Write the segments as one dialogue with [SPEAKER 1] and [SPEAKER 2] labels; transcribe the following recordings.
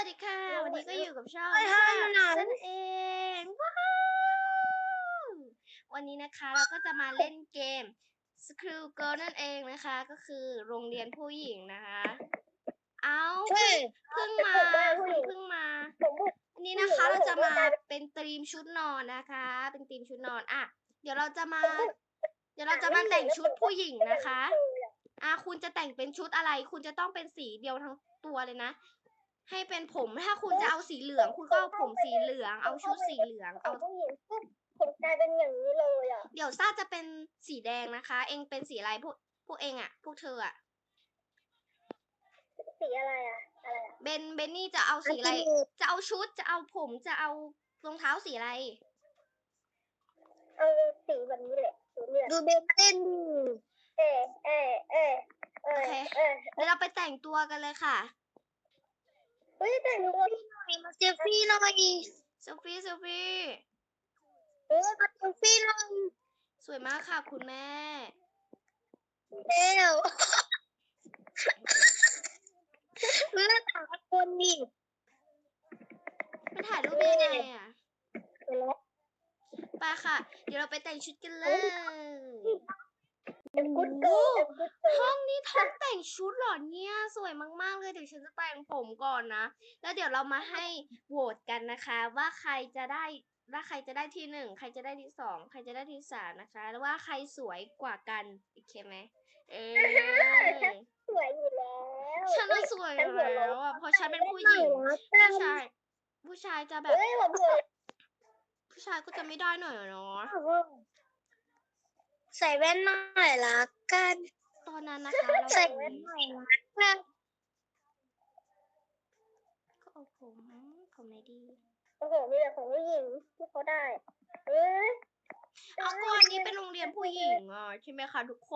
[SPEAKER 1] ดีค่ะ วันนี้ก็อยู่กับช่อง
[SPEAKER 2] เฮ้ย
[SPEAKER 1] แซ่
[SPEAKER 2] มัน
[SPEAKER 1] บ
[SPEAKER 2] หนาว
[SPEAKER 1] นั่นเอง ว้าว วันนี้นะคะเราก็จะมาเล่นเกม School Girl นั่นเองนะคะ ก็คือโรงเรียนผู้หญิงนะคะ เอา
[SPEAKER 2] ใช่
[SPEAKER 1] เพิ่งมา คุณเพิ่งมา
[SPEAKER 2] ผมบุก
[SPEAKER 1] วันนี้นะคะเราจะมาเป็นธีมชุดนอนนะคะ เป็นธีมชุดนอนอ่ะเดี๋ยวเราจะมาแต่งชุดผู้หญิงนะคะ คุณจะแต่งเป็นชุดอะไร คุณจะต้องเป็นสีเดียวทั้งตัวเลยนะ ให้เป็นผม ถ้าคุณจะเอาสีเหลือง คุณก็เอาผมสีเหลือง เอาชุดสีเหลือง เอา
[SPEAKER 2] ผู้หญิงปุ๊บผมกลายเป็นอย่างนี้เลยอ่ะ
[SPEAKER 1] เดี๋ยวซ่าจะเป็นสีแดงนะคะ เองเป็นสีอะไรพวกเองอ่ะ พวกเธออ่ะ
[SPEAKER 2] สีอะไรอ่ะ อะไรอ่ะ
[SPEAKER 1] เบนนี่จะเอาสีอะไร จะเอาชุด จะเอาผม จะเอารองเท้าสีอะไร
[SPEAKER 2] เอาสีแบบนี้แหละสีเหลืองดูเบนเต้นโอเค
[SPEAKER 1] เดี๋ยวเราไปแต่งตัวกันเลยค่ะ
[SPEAKER 2] เฮ้ยแต่งตัวหน่อยมาเซลฟี่หน่อย
[SPEAKER 1] เซลฟี่ เซลฟี่
[SPEAKER 2] มาเซลฟี่หน่อย
[SPEAKER 1] สวยมากค่ะคุณแม่
[SPEAKER 2] เร็วเลือกหาคนนี่
[SPEAKER 1] มันถ่ายรูปยังไงอ่ะ ไปค่ะ เดี๋ยวเราไปแต่งชุดกันเลย ห้องนี้ห้องแต่งชุดเหรอเนี่ย สวยมากๆเลยเดี๋ยวฉันจะแต่งผมก่อนนะ แล้วเดี๋ยวเรามาให้โหวตกันนะคะ ว่าใครจะได้ที่ 1 ใครจะได้ที่ 2 ใครจะได้ที่ 3นะคะแล้วว่าใครสวยกว่ากันโอเคไหม
[SPEAKER 2] สวยอยู่แล้ว
[SPEAKER 1] ฉันน่ะสวยอยู่แล้วอ่ะเพราะฉันเป็นผู้หญิงผู้ชายจะแบบผู้ชายก็จะไม่ได้หน่อยเนาะ
[SPEAKER 2] ใส่แว่นหน่อยละกัน
[SPEAKER 1] ตอนนั้นนะคะเรา
[SPEAKER 2] ใส่แว่นหน่อยละกัน
[SPEAKER 1] ก็เอาผมไหนดี
[SPEAKER 2] โอ้โหมีแต่ของผู้หญิงที่เขาได้
[SPEAKER 1] เอาก่อนนี้เป็นโรงเรียนผู้หญิงอ่ะใช่ไหมคะทุกคน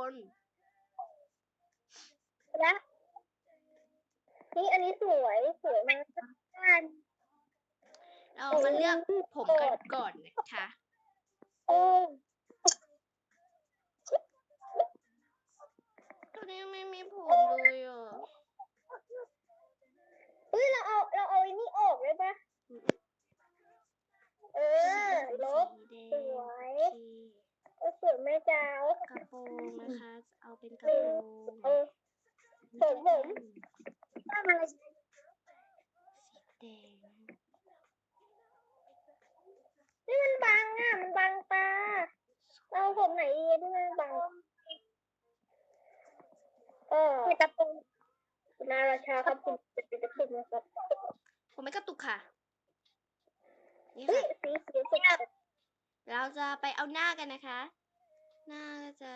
[SPEAKER 2] และนี่อันนี้สวยมากกัน
[SPEAKER 1] เรามาเลือกผมกันก่อนนะคะตอนนี้ไม่มีผมเลยอ่ะ
[SPEAKER 2] เฮ้ยเราเอาไอ้นี่ออกได้ปะลบสวยสวยไหมจ๊ะ
[SPEAKER 1] กระโปรงนะคะเอาเป็นกระโปรง
[SPEAKER 2] ผมทำอะไร
[SPEAKER 1] สีแดง
[SPEAKER 2] นี่มันบังอ่ะมันบังตาเราผมไหนดีที่มันบังกระโปรงคุณอาราชาครับคุณเป็นกระตุกนะครับ
[SPEAKER 1] ผมไม่กระตุกค่ะนี่
[SPEAKER 2] สี
[SPEAKER 1] ค่ะ
[SPEAKER 2] สุด
[SPEAKER 1] เราจะไปเอาหน้ากันนะคะ หน้าก็จะ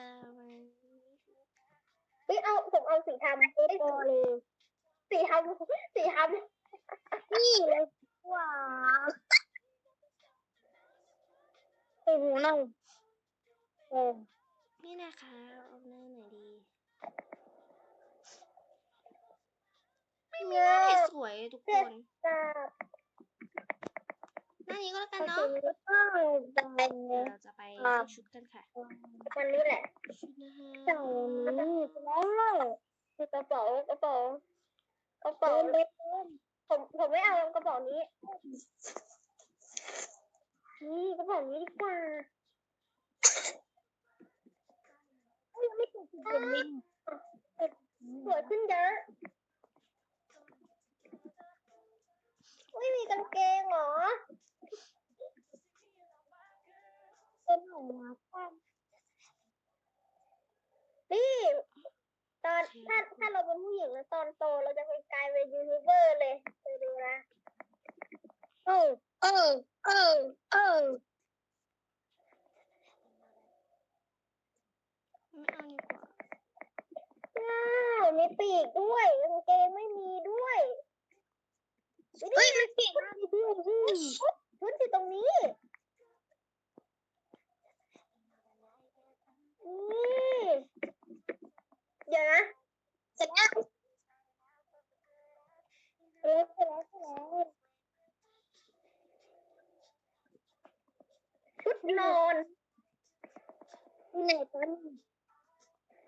[SPEAKER 2] ผมเอาสีทำเลยสีทำนี่เลยว้าโอ้โหน้อง
[SPEAKER 1] นี่นะคะเอาหน้าไหนดีไม่มีหน้าไหนสวยทุกคนหน้านี้ก็แล้วกันเนาะเดี๋ยวเราจะไปเลือกชุดกันค่ะ
[SPEAKER 2] วันนี้แหละ
[SPEAKER 1] ชุดนะคะ
[SPEAKER 2] แล้วคือกระเป๋าผมไม่เอากระเป๋านี้นี่กระเป๋านี้ดีกว่าไม่ถูกสวยขึ้นเยอะไม่มีกางเกงเหรอเป็นหัวนี่ตอนถ้าเราเป็นผู้หญิงแล้วตอนโตเราจะไปกลายเป็นยูทูบเบอร์เลยไปดูนะ
[SPEAKER 1] ไม่เอาดีกว่า
[SPEAKER 2] มีปีกด้วยกางเกงไม่มีด้วยเฮ้ยมันปีกมากด้วยชุดอยู่ตรงนี้นี่เดี๋ยวนะเสร็จแล้วชุดนอนไหนกัน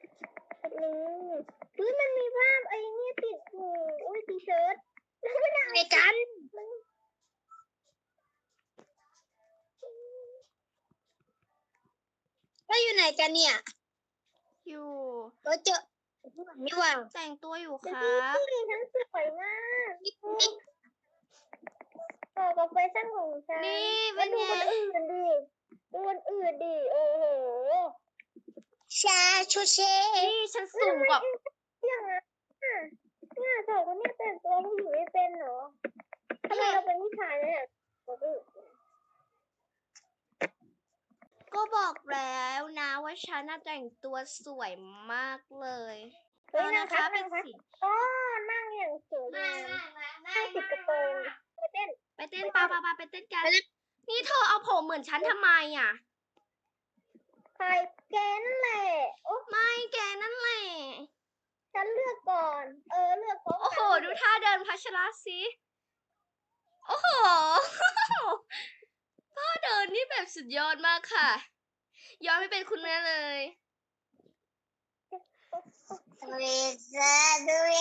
[SPEAKER 2] มันมีภาพไอ้นี่ติดอยู่อุ้ยทีเชิ้ตแล้วไม่ได้เอาไหนกันก็อยู่ไหนกันเนี่ย
[SPEAKER 1] อยู่
[SPEAKER 2] เราเจอนี่ว่า
[SPEAKER 1] แต่งตัวอยู่ค
[SPEAKER 2] ฉัน
[SPEAKER 1] รับ
[SPEAKER 2] สวยมากต่อกับแฟชั่นของฉัน
[SPEAKER 1] นี่เป็
[SPEAKER 2] แล้ว
[SPEAKER 1] น
[SPEAKER 2] ดู
[SPEAKER 1] ไง
[SPEAKER 2] คนอื่นดิดูคนอื่นดิโอ้โหชาชูเช่
[SPEAKER 1] นี่ฉันสูงกว่า
[SPEAKER 2] อย่างนั้นเนี่ยสองคนนี้แต่งตัวผู้หญิงไม่เป็นเหรอทำไมเราเป็นผู้ชายเนี่ย
[SPEAKER 1] ก็บอกแล้วนะว่าฉันน่ะแต่งตัวสวยมากเลย
[SPEAKER 2] เฮ้ย
[SPEAKER 1] เอา
[SPEAKER 2] นั่
[SPEAKER 1] นะ
[SPEAKER 2] ง
[SPEAKER 1] คะ
[SPEAKER 2] พัก
[SPEAKER 1] เป็
[SPEAKER 2] นั่
[SPEAKER 1] น
[SPEAKER 2] งพัก
[SPEAKER 1] สี
[SPEAKER 2] อ๋อนั่งอย่างสวยงามนั่งติดกระโปรงไปเต้น
[SPEAKER 1] ไปเต้นปาไปเต้นกัน นี่เธอเอาผมเหมือนฉันทำไมอ่ะ
[SPEAKER 2] ใครแกนั่นแหละโอ้
[SPEAKER 1] ไม่แกนั่นแหละ
[SPEAKER 2] ฉันเลือกก่อน เลือกพร้อม
[SPEAKER 1] โอ้โห
[SPEAKER 2] กัน
[SPEAKER 1] ดูท่าเดินพัชระสิ โอ้โห ท่าเดินนี่แบบสุดยอดมากค่ะ ย้อนไม่เป็นคุณแม่เลย
[SPEAKER 2] เวซาดูเอ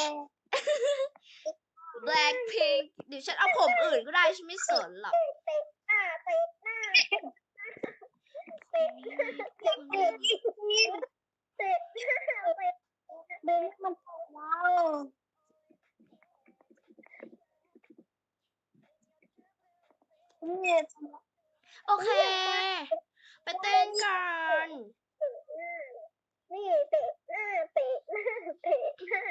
[SPEAKER 1] Blackpink เดี๋ยวฉันเอาผมอื่นก็ได้ฉันไม่สนหรอก
[SPEAKER 2] เตะหน้าเตะหน้าเตะเตะเตะเตะเตะเตะเบสมันว้าวเนี่ย
[SPEAKER 1] โอเค ไปเต้นกัน
[SPEAKER 2] นี่เตะหน้าเตะหน้าเตะหน้า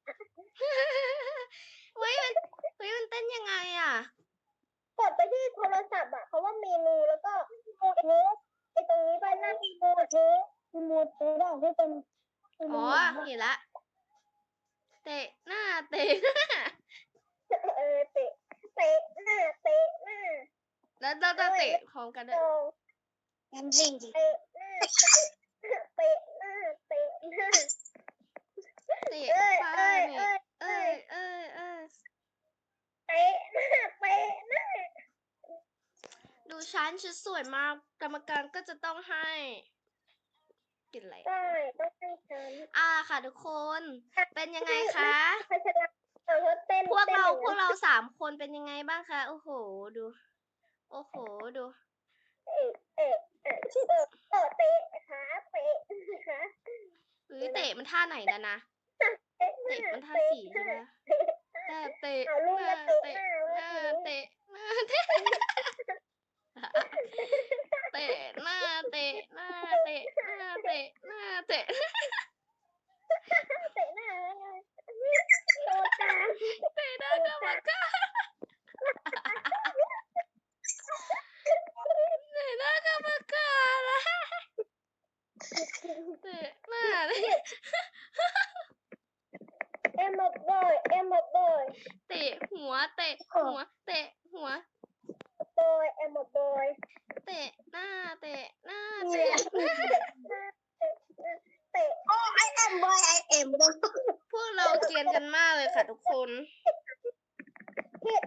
[SPEAKER 1] เฮ้ยมันเต้นยังไงอ่ะ
[SPEAKER 2] กดไปที่โทรศัพท์อ่ะเขาว่าเมนูแล้วก็โมเทสไอตรงนี้ไปหน้าที่โมเทสโมเทสอ่ะที่เป็น
[SPEAKER 1] อ๋อ เห็นละ เตะหน้า เตะหน้า
[SPEAKER 2] เตะเตะหน้าเตะหน้า
[SPEAKER 1] แล้วเราจะเตะพร้อมกันด้วย
[SPEAKER 2] งั้นจริงเตะหน้าเตะหน้าเตะหน้า
[SPEAKER 1] เตะไปนี่เอ้ย
[SPEAKER 2] เตะหน้าเตะหน้า
[SPEAKER 1] ดูฉันสวยมาก กรรมการก็จะต้องให้กินอะไร
[SPEAKER 2] ได้ต้องให้ฉัน
[SPEAKER 1] ค่ะทุกคน เป็นยังไงคะ
[SPEAKER 2] พัชระเต้น
[SPEAKER 1] พวกเราสามคนเป็นยังไงบ้างคะ โอ้โห ดู โอ้โห ดู
[SPEAKER 2] เตะขาเตะขา
[SPEAKER 1] เฮ้ยเตะมันท่าไหนแล้วนะ เตะมันท่าสี่ใช่ไหมแต่เตะ
[SPEAKER 2] เอาลูกมาเตะหน้า
[SPEAKER 1] หน้าเตะหน้าเตะเตะหน้าเตะหน้าเตะหน้าเตะหน้าเตะ
[SPEAKER 2] เตะหน้าไงโดนตา
[SPEAKER 1] เตะหน้ากรรมการเตะหน้ากรรมการละเตะหน้าเลย
[SPEAKER 2] เอ็มบอย
[SPEAKER 1] เตะหัวเตะหัวเตะหัว
[SPEAKER 2] เอ็มบอย
[SPEAKER 1] เตะหน้าเตะหน้า
[SPEAKER 2] เตะ
[SPEAKER 1] เตะ
[SPEAKER 2] โอ้ไอเอ็มบอย
[SPEAKER 1] พวกเราเกรียนกันมากเลยค่ะทุกคน
[SPEAKER 2] ฮิต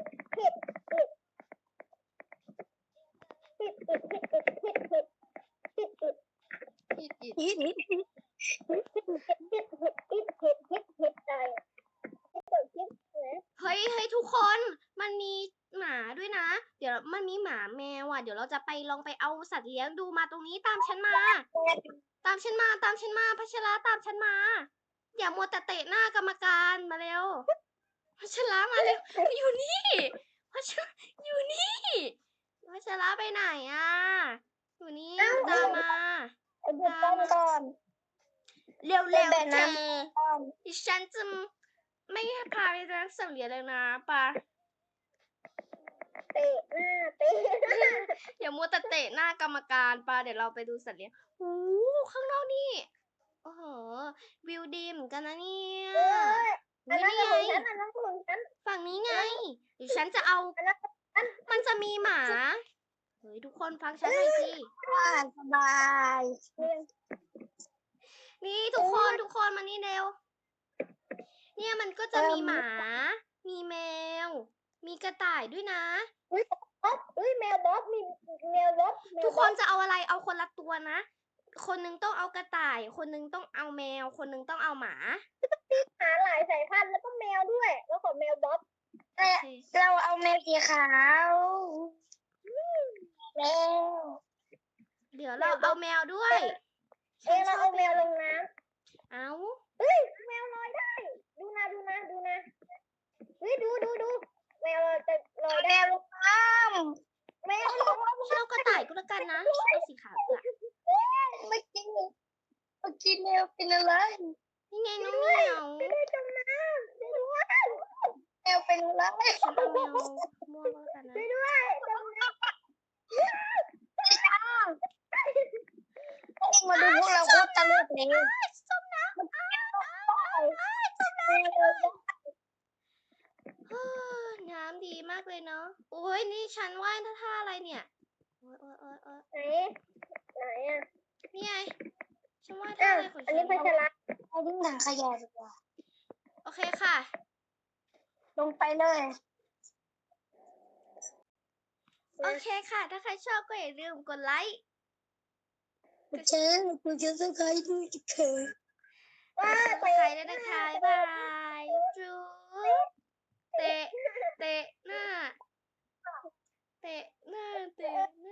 [SPEAKER 1] เฮ้ยทุกคน มันมีหมาด้วยนะ เดี๋ยวมันมีหมาแมวอ่ะ เดี๋ยวเราจะไปลองไปเอาสัตว์เลี้ยงดูมาตรงนี้ตามฉันมา ตามฉันมาพัชระตามฉันมา อย่ามัวแต่เตะหน้ากรรมการมาเร็ว พัชระมาเร็ว อยู่นี่ พัชระอยู่นี่ พัชระไปไหนอ่ะ อยู่นี่ตามมา
[SPEAKER 2] ก่อน
[SPEAKER 1] เร็ว
[SPEAKER 2] แบ
[SPEAKER 1] ๆ
[SPEAKER 2] บ
[SPEAKER 1] เธ
[SPEAKER 2] นั้น
[SPEAKER 1] อดิฉันจะไม่ให้พาไปร้านสัตว์เลี้ยงเลยนะปะ
[SPEAKER 2] เตะหน้าเตะ
[SPEAKER 1] อย่ามัวแต่เตะหน้ากรรมการปะเดี๋ยวเราไปดูสัตว์เลี้ยงโอ้ข้างนอกนี่ โอ้โห วิวดีเหมือนกันนะเนี่ยนี่ไง ฝั่งนี้ไงเดี๋ยวฉันจะเอา มันจะมีหมา เฮ้ยทุกคนฟังฉันหน่อยสิ
[SPEAKER 2] สบาย
[SPEAKER 1] นี่ทุกคนมานี่เร็ว เนี่ยมันก็จะมีหมา มีแมว มีกระต่ายด้วยนะ
[SPEAKER 2] แมวบ๊อบมีแมวบ๊อบ
[SPEAKER 1] ทุกคนจะเอาอะไรเอาคนละตัวนะ คนนึงต้องเอากระต่าย คนนึงต้องเอาแมว คนนึงต้องเอาหมา
[SPEAKER 2] หาหลายสายพันธุ์แล้วก็แมวด้วย แล้วขอแมวบ๊อบ
[SPEAKER 1] โอเค
[SPEAKER 2] เราเอาแมวสีขาวแล้ว
[SPEAKER 1] เดี๋ยวเราเอาแมวด้วย
[SPEAKER 2] เราเอาแมวลงน้ำ
[SPEAKER 1] เอา
[SPEAKER 2] เฮ้ยแมวลอยได้ ดูนะเฮ้ยดูแมวจะลอยได้แมวลงน้ำแมวลงน้ำ
[SPEAKER 1] เช่ากระต่ายก็แล้วกันนะเอาสีขาวดีกว่า
[SPEAKER 2] เมื่อกี้แมวเป็นอะไร
[SPEAKER 1] นี่ไงน้องเหมียว
[SPEAKER 2] ไม่ได้จมน้ำช่วยด้วยแมวเป็นอะไร
[SPEAKER 1] ฉันเอาแมวม่วงก็แล้วกันนะ
[SPEAKER 2] ช่วยด้วยจมน้ำมาดูพวกเราโคตรตลกเลย
[SPEAKER 1] จมน้ำน้ำดีมากเลยเนาะโอ้ยนี่ฉันว่ายท่าอะไรเนี่ยโอ้ย
[SPEAKER 2] ไหนอ่ะ
[SPEAKER 1] นี่ไงฉันว่ายท่าอะไรของ
[SPEAKER 2] อัน
[SPEAKER 1] ฉั
[SPEAKER 2] นี้
[SPEAKER 1] น
[SPEAKER 2] พัชระเอาดิ้งถังขยะดีกว่า
[SPEAKER 1] โอเคค่ะ
[SPEAKER 2] ลงไปเลย
[SPEAKER 1] โอเคค่ะ ถ้าใครชอบก็อย่าลืมกดไลค์
[SPEAKER 2] คุณจะสกายดูจะเขิน
[SPEAKER 1] กด subscribe ด้วยนะคะบ๊ายบายจุ๊บ